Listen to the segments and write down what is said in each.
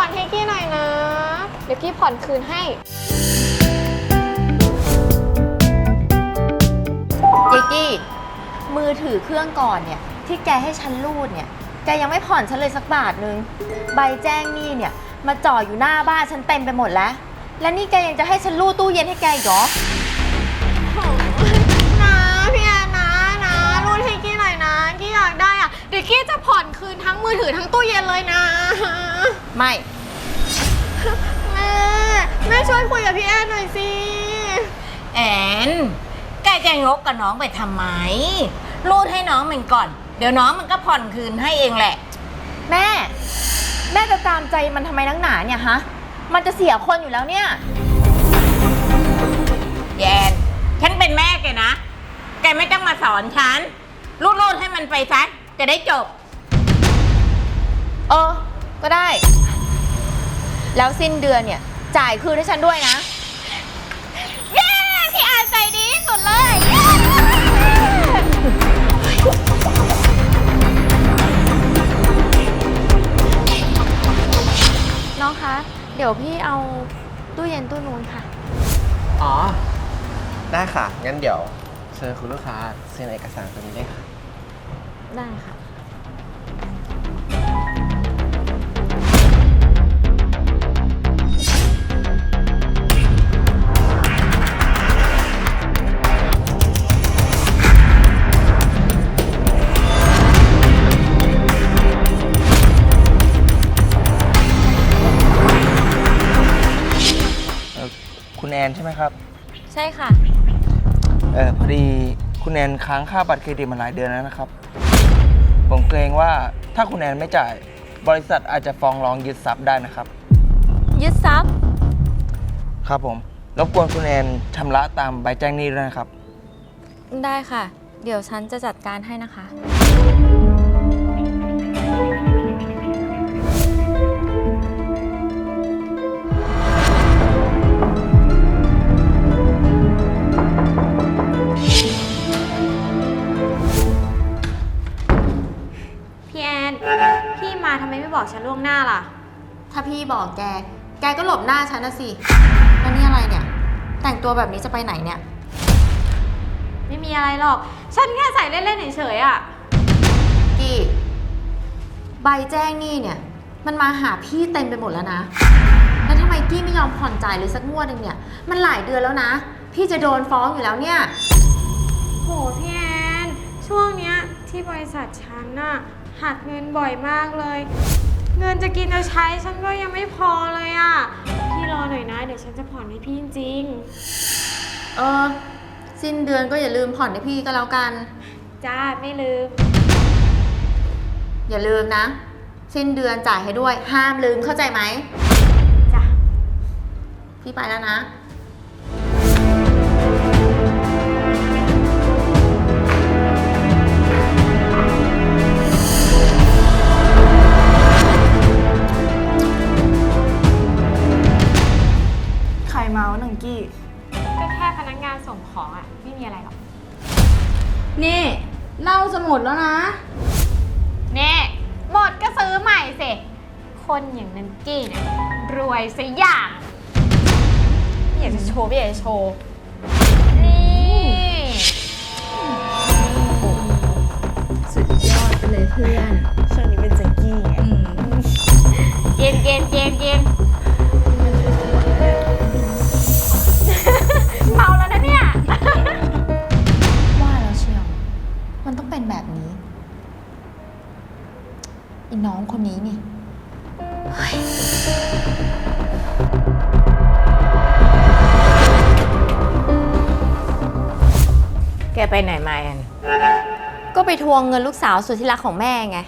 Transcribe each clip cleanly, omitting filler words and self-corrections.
อนให้กี้หน่อยนะเดี๋ยวกี้ผ่อนคืนให้เจกี้มือถือเครื่องก่อนเนี่ยที่แกให้ฉันรูดเนี่ยแกยังไม่ผ่อนฉันเลยสักบาทนึงใบแจ้งหนี้เนี่ยมาจ่ออยู่หน้าบ้านฉันเต็มไปหมดแล้วและนี่แกยังจะให้ฉันรูดตู้เย็นให้แกอีกเหรอนะพี่แอนนะรูดให้กี้หน่อยนะกี้อยากได้อ่ะเดี๋ยวกี้จะผ่อนคืนทั้งมือถือทั้งตู้เย็นเลยนะไม่แม่ช่วยคุยกับพี่แอนหน่อยสิแอนแกจะงกกับน้องไปทำไมรูดให้น้องมันก่อนเดี๋ยวน้องมันก็ผ่อนคืนให้เองแหละแม่จะตามใจมันทำไมนักหนาเนี่ยฮะมันจะเสียคนอยู่แล้วเนี่ยแยนฉันเป็นแม่แกนะแกไม่ต้องมาสอนฉันรูดให้มันไปซะจะได้จบก็ได้แล้วสิ้นเดือนเนี่ยจ่ายคืนให้ฉันด้วยนะเย้พี่แอนใจดีสุดเลยน้องคะเดี๋ยวพี่เอาตู้เย็นตู้นู้นค่ะอ๋อได้ค่ะงั้นเดี๋ยวเชิญคุณลูกค้าเซ็นเอกสารตัวนี้ได้ค่ะได้ค่ะคุณแอนใช่ไหมครับใช่ค่ะพอดีคุณแอนค้างค่าบัตรเครดิตมาหลายเดือนแล้วนะครับผมเกรงว่าถ้าคุณแอนไม่จ่ายบริษัทอาจจะฟ้องร้องยึดทรัพย์ได้นะครับยึดทรัพย์ครับผมรบกวนคุณแอนชำระตามใบแจ้งหนี้ด้วยนะครับได้ค่ะเดี๋ยวฉันจะจัดการให้นะคะพี่มาทำไมไม่บอกฉันล่วงหน้าล่ะถ้าพี่บอกแกก็หลบหน้าฉันนะสิแล้วนี่อะไรเนี่ยแต่งตัวแบบนี้จะไปไหนเนี่ยไม่มีอะไรหรอกฉันแค่ใส่เล่นๆเฉยๆอ่ะกี้ใบแจ้งหนี้เนี่ยมันมาหาพี่เต็มไปหมดแล้วนะแล้วทำไมกี้ไม่ยอมผ่อนจ่ายเลยสักงวดนึงเนี่ยมันหลายเดือนแล้วนะพี่จะโดนฟ้องอยู่แล้วเนี่ยโหพี่แอนช่วงเนี้ยที่บริษัทฉันน่ะหักเงินบ่อยมากเลยเงินจะกินจะใช้ฉันก็ยังไม่พอเลยอ่ะพี่รอหน่อยนะเดี๋ยวฉันจะผ่อนให้พี่จริงสิ้นเดือนก็อย่าลืมผ่อนให้พี่ก็แล้วกันจ้าไม่ลืมอย่าลืมนะสิ้นเดือนจ่ายให้ด้วยห้ามลืมเข้าใจไหมจ้ะพี่ไปแล้วนะเมาส์หนึ่งกี้ก็แค่พนักงานส่งของอ่ะไม่มีอะไรหรอกนี่เหล้าจะหมดแล้วนะนี่หมดก็ซื้อใหม่สิคนอย่างนันกี้เนี่ยรวยซะอย่างไม่อยากจะโชว์ไม่อยากจะโชว์นี่สุดยอดไปเลยเพื่อนช่วงนี้เป็นแจ็คกี้ไงเย็นเมาแล้วนะเนี่ยว่าแล้วเชียวมันต้องเป็นแบบนี้อีน้องคนนี้นี่แกไปไหนมาแอนก็ไปทวงเงินลูกสาวสุดที่รักของแม่ไง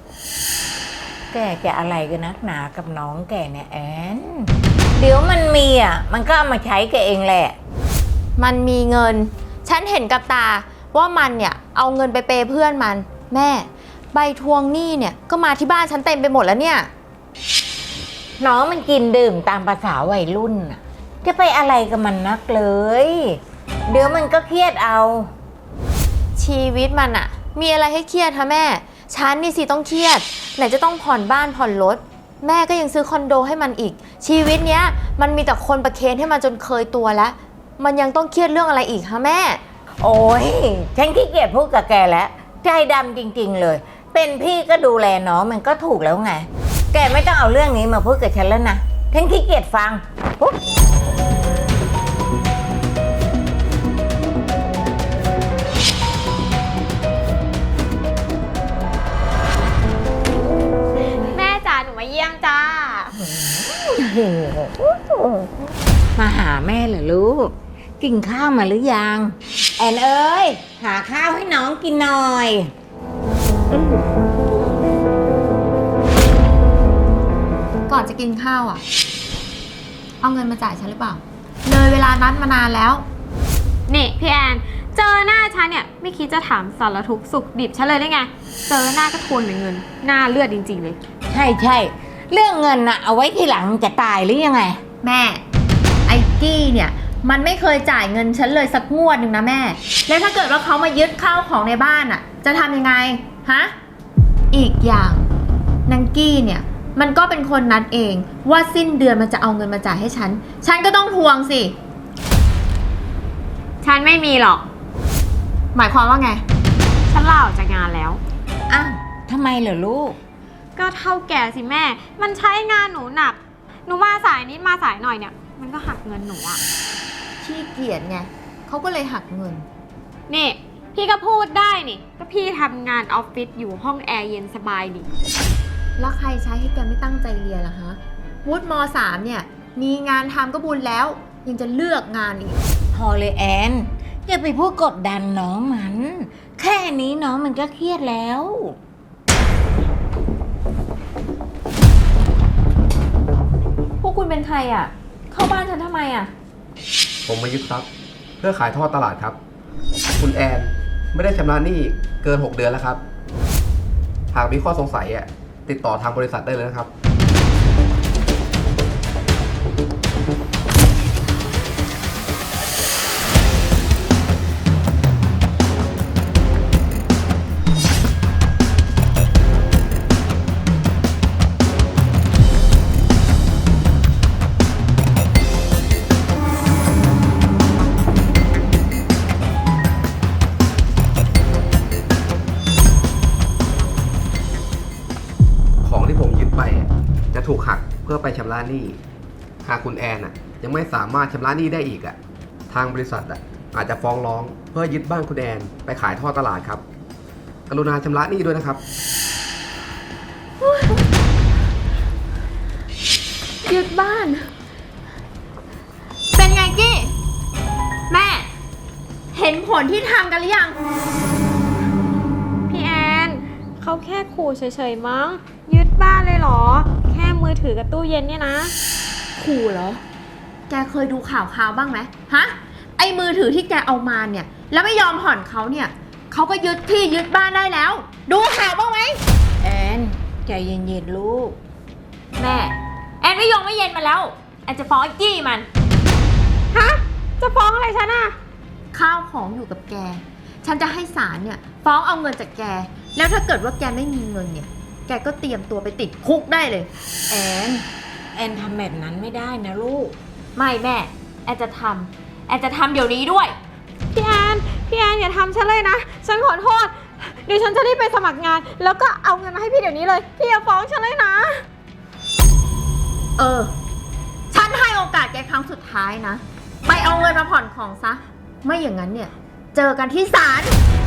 แกอะไรกันนักหนากับน้องแกเนี่ยแอนเดี๋ยวมันมีมันก็เอามาใช้แกเองแหละมันมีเงินฉันเห็นกับตาว่ามันเนี่ยเอาเงินไปเปย์เพื่อนมันแม่ใบทวงหนี้เนี่ยก็มาที่บ้านฉันเต็มไปหมดแล้วเนี่ยน้องมันกินดื่มตามภาษาวัยรุ่นจะไปอะไรกับมันนักเลยเดี๋ยวมันก็เครียดเอาชีวิตมันมีอะไรให้เครียดคะแม่ฉันนี่สิต้องเครียดไหนจะต้องผ่อนบ้านผ่อนรถแม่ก็ยังซื้อคอนโดให้มันอีก ชีวิตเนี้ยมันมีแต่คนประเคนให้มันจนเคยตัวแล้ว มันยังต้องเครียดเรื่องอะไรอีกคะแม่โอ้ยฉันขี้เกียจพูดกับแกแล้วใจดำจริงๆเลย เป็นพี่ก็ดูแลน้องมันก็ถูกแล้วไง แกไม่ต้องเอาเรื่องนี้มาพูดกับฉันแล้วนะฉันขี้เกียจฟังปุ๊บแม่จ๋าหนูมาเยี่ยมจ้ามาหาแม่เหรอลูก กินข้าวมาหรือยัง แอนเอ้ยหาข้าวให้น้องกินหน่อยก่อนจะกินข้าวอ่ะ เอาเงินมาจ่ายฉันหรือเปล่า เลยเวลานัดมานานแล้วนี่พี่แอน เจอหน้าฉันเนี่ยไม่คิดจะถามสารทุกข์สุขดิบฉันเลยได้ไง เจอหน้าก็ทวนแต่เงิน หน้าเลือดจริงๆเลยใช่ใช่เรื่องเงินน่ะเอาไว้ทีหลังจะตายหรือยังไงแม่ ไอ้กี้เนี่ย มันไม่เคยจ่ายเงินฉันเลยสักงวดหนึ่งนะแม่ แล้วถ้าเกิดว่าเขามายึดข้าวของในบ้านอ่ะ จะทำยังไง ฮะ อีกอย่างนางกี้เนี่ย มันก็เป็นคนนัดเองว่าสิ้นเดือนมันจะเอาเงินมาจ่ายให้ฉัน ฉันก็ต้องทวงสิฉันไม่มีหรอกหมายความว่าไงฉันลาออกจากงานแล้วอ้าวทำไมเหรอลูกก็เท่าแก่สิแม่ มันใช้งานหนูหนัก หนูมาสายนิดมาสายหน่อยเนี่ย มันก็หักเงินหนูอะขี้เกียจไงเขาก็เลยหักเงินนี่ พี่ก็พูดได้นี่ ก็พี่ทำงานออฟฟิศอยู่ห้องแอร์เย็นสบายดิแล้วใครใช้ให้แกไม่ตั้งใจเรียนล่ะฮะ วุฒิม.3 เนี่ย มีงานทำก็บุญแล้ว ยังจะเลือกงานอีกพอเลยแอนอย่าไปพูดกดดันน้องมัน แค่นี้น้องมันก็เครียดแล้วพวกคุณเป็นใครอ่ะ เข้าบ้านฉันทำไมอ่ะผมมายึดทรัพย์เพื่อขายทอดตลาดครับ คุณแอนไม่ได้ชำระหนี้เกิน 6 เดือนแล้วครับ หากมีข้อสงสัยติดต่อทางบริษัทได้เลยนะครับ ของที่ผมยึดไปจะถูกหักเพื่อไปชำระหนี้ หากคุณแอนยังไม่สามารถชำระหนี้ได้อีกทางบริษัทอาจจะฟ้องร้องเพื่อยึดบ้านคุณแอนไปขายทอดตลาดครับ กรุณาชำระหนี้ด้วยนะครับยึดบ้าน เป็นไงกี้ แม่ เห็นผลที่ทำกันหรือยังพี่แอน เขาแค่ขู่เฉยๆมั้ง ยึดบ้านเลยเหรอ แค่มือถือกับตู้เย็นเนี่ยนะขู่เหรอ แกเคยดูข่าวบ้างไหมฮะ ไอ้มือถือที่แกเอามาเนี่ย แล้วไม่ยอมผ่อนเขาเนี่ย เขาก็ยึดที่ยึดบ้านได้แล้ว ดูข่าวบ้างไหมแอนใจเย็นๆลูกแม่ แอนไม่ยอมไม่เย็นมาแล้ว แอนจะฟ้องไอ้กี้มันฮะ จะฟ้องอะไรฉันอะข้าวของอยู่กับแก ฉันจะให้ศาลเนี่ยฟ้องเอาเงินจากแก แล้วถ้าเกิดว่าแกไม่มีเงินเนี่ย แกก็เตรียมตัวไปติดคุกได้เลยแอนทำแบบนั้นไม่ได้นะลูกไม่แม่ แอนจะทำเดี๋ยวนี้ด้วยพี่แอนอย่าทำฉันเลยนะ ฉันขอโทษ เดี๋ยวฉันจะรีบไปสมัครงาน แล้วก็เอาเงินมาให้พี่เดี๋ยวนี้เลย พี่อย่าฟ้องฉันเลยนะฉันให้โอกาสแกครั้งสุดท้ายนะ ไปเอาเงินมาผ่อนของซะ ไม่อย่างนั้นเนี่ย เจอกันที่ศาล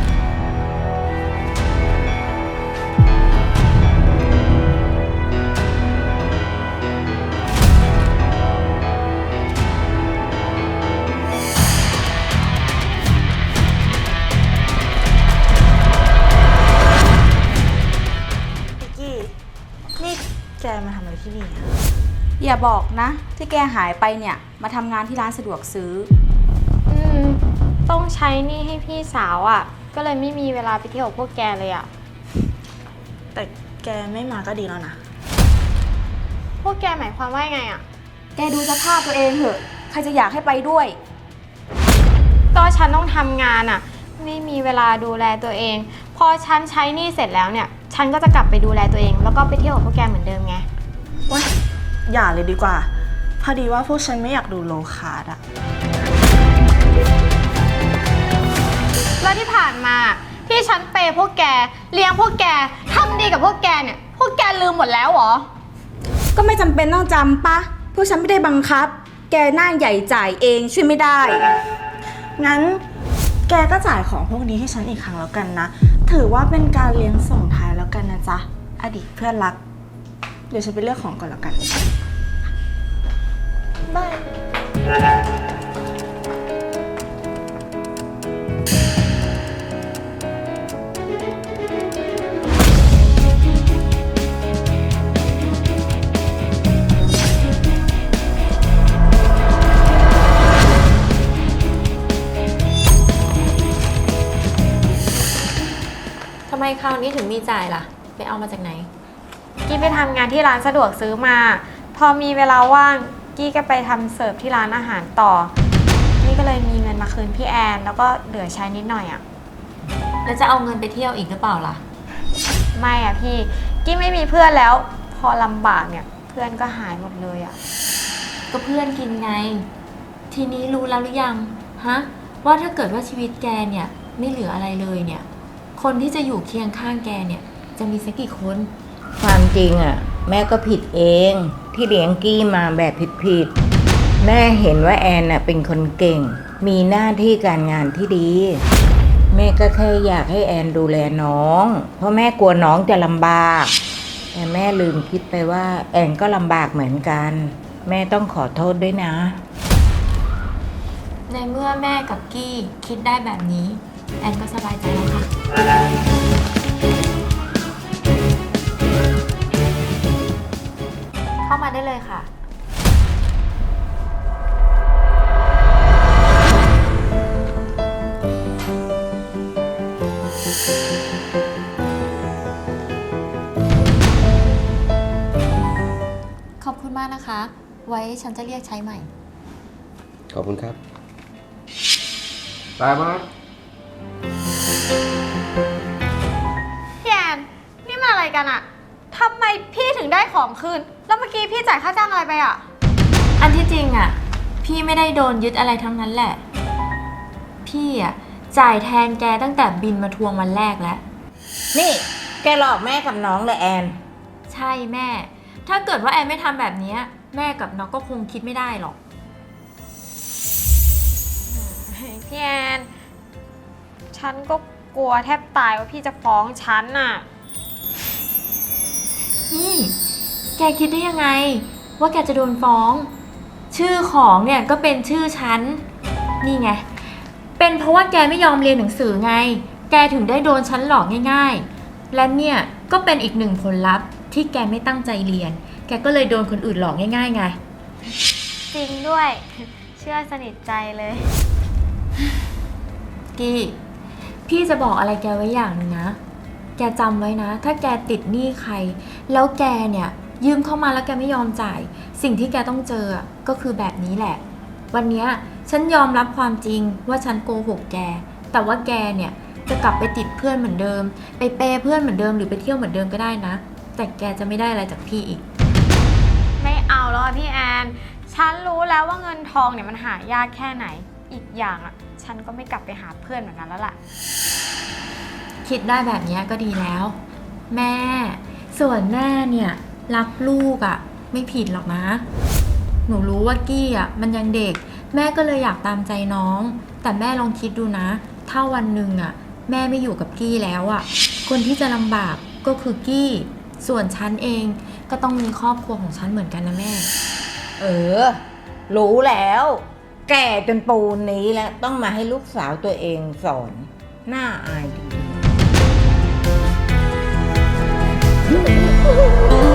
พิกกี้ นี่แกมาทำอะไรที่นี่อะอย่าบอกนะ ที่แกหายไปเนี่ย มาทำงานที่ร้านสะดวกซื้อต้องใช้หนี่ให้พี่สาวอะ่ะ ก็เลยไม่มีเวลาไปเที่ยวกับพวกแกเลยอะ่ะแต่แกไม่มาก็ดีแล้วนะพวกแกหมายความว่าไงอะ่ะแกดูสภาพตัวเองเถอะ ใครจะอยากให้ไปด้วยก็ฉันต้องทำงานอะ่ะ ไม่มีเวลาดูแลตัวเอง พอฉันใช้หนี้เสร็จแล้วเนี่ย ฉันก็จะกลับไปดูแลตัวเอง แล้วก็ไปเที่ยวกับพวกแกเหมือนเดิมไงว้ยอย่าเลยดีกว่า พอดีว่าพวกฉันไม่อยากดูโลคาร์ดอะแล้วที่ผ่านมาที่ฉันเปย์พวกแกเลี้ยงพวกแกทำดีกับพวกแกเนี่ยพวกแกลืมหมดแล้วเหรอก็ไม่จำเป็นต้องจำปะพวกฉันไม่ได้บังคับ แกหน้าใหญ่จ่ายเองช่วยไม่ได้งั้นแกก็จ่ายของพวกนี้ให้ฉันอีกครั้งแล้วกันนะ ถือว่าเป็นการเลี้ยงส่งท้ายแล้วกันนะจ๊ะ อดีตเพื่อนรัก เดี๋ยวฉันไปเลือกของก่อนแล้วกันทำไมคราวนี้ถึงมีจ่ายล่ะ ไปเอามาจากไหนกี้ไปทำงานที่ร้านสะดวกซื้อมา พอมีเวลาว่างกี้ก็ไปทำเสิร์ฟที่ร้านอาหารต่อกี้ก็เลยมีเงินมาคืนพี่แอนแล้วก็เหลือใช้นิดหน่อยอะแล้วจะเอาเงินไปเที่ยวอีกหรือเปล่าล่ะไม่อะพี่กี้ไม่มีเพื่อนแล้ว พอลำบากเนี่ยเพื่อนก็หายหมดเลยอะก็เพื่อนกินไง ทีนี้รู้แล้วหรือยัง ฮะ ว่าถ้าเกิดว่าชีวิตแกเนี่ยไม่เหลืออะไรเลยเนี่ย คนที่จะอยู่เคียงข้างแกเนี่ยจะมีสักกี่คนความจริงอ่ะ แม่ก็ผิดเองที่เลี้ยงกี้มาแบบผิดๆแม่เห็นว่าแอนน่ะเป็นคนเก่ง มีหน้าที่การงานที่ดี แม่ก็แค่อยากให้แอนดูแลน้อง เพราะแม่กลัวน้องจะลำบากแต่แม่ลืมคิดไปว่าแอนก็ลำบากเหมือนกัน แม่ต้องขอโทษด้วยนะในเมื่อแม่กับกี้คิดได้แบบนี้ แอนก็สบายใจแล้วค่ะ เข้ามาได้เลยค่ะ ขอบคุณมากนะคะ ไว้ฉันจะเรียกใช้ใหม่ขอบคุณครับ ตายมาพี่แอนนี่มันอะไรกันอะทำไมพี่ถึงได้ของคืนแล้วเมื่อกี้พี่จ่ายค่าจ้างอะไรไปอะอันที่จริงอ่ะ พี่ไม่ได้โดนยึดอะไรทั้งนั้นแหละ พี่อ่ะจ่ายแทนแกตั้งแต่บินมาทวงวันแรกแล้วนี่แกหลอกแม่กับน้องเลยแอนใช่แม่ ถ้าเกิดว่าแอนไม่ทำแบบนี้แม่กับน้องก็คงคิดไม่ได้หรอกพี่แอนฉันก็กลัวแทบตายว่าพี่จะฟ้องฉันน่ะนี่ แกคิดได้ยังไง ว่าแกจะโดนฟ้อง ชื่อของเนี่ยก็เป็นชื่อฉัน นี่ไง เป็นเพราะว่าแกไม่ยอมเรียนหนังสือไง แกถึงได้โดนฉันหลอกง่ายๆ และเนี่ยก็เป็นอีกหนึ่งผลลัพธ์ที่แกไม่ตั้งใจเรียน แกก็เลยโดนคนอื่นหลอกง่ายๆไงจริงด้วย เชื่อสนิทใจเลยกี้พี่จะบอกอะไรแกไว้อย่างหนึงนะ แกจำไว้นะ ถ้าแกติดหนี้ใคร แล้วแกเนี่ยยืมเข้ามาแล้วแกไม่ยอมจ่าย สิ่งที่แกต้องเจอก็คือแบบนี้แหละ วันเนี้ยฉันยอมรับความจริงว่าฉันโกหกแก แต่ว่าแกเนี่ยจะกลับไปติดเพื่อนเหมือนเดิม ไปเปย์เพื่อนเหมือนเดิมหรือไปเที่ยวเหมือนเดิมก็ได้นะ แต่แกจะไม่ได้อะไรจากพี่อีกไม่เอาแล้วอะพี่แอน ฉันรู้แล้วว่าเงินทองเนี่ยมันหายากแค่ไหน อีกอย่างอะฉันก็ไม่กลับไปหาเพื่อนแบบนั้นแล้วล่ะคิดได้แบบนี้ก็ดีแล้ว แม่ ส่วนแม่เนี่ยรักลูกอะ่ะไม่ผิดหรอกนะ หนูรู้ว่ากี้อ่ะมันยังเด็ก แม่ก็เลยอยากตามใจน้อง แต่แม่ลองคิดดูนะ ถ้าวันหนึ่งอ่ะแม่ไม่อยู่กับกี้แล้วอ่ะคนที่จะลำบากก็คือกี้ส่วนฉันเองก็ต้องมีครอบครัวของฉันเหมือนกันนะแม่เออ รู้แล้ว แก่จนปูนนี้แล้วต้องมาให้ลูกสาวตัวเองสอน น่าอายจริงๆ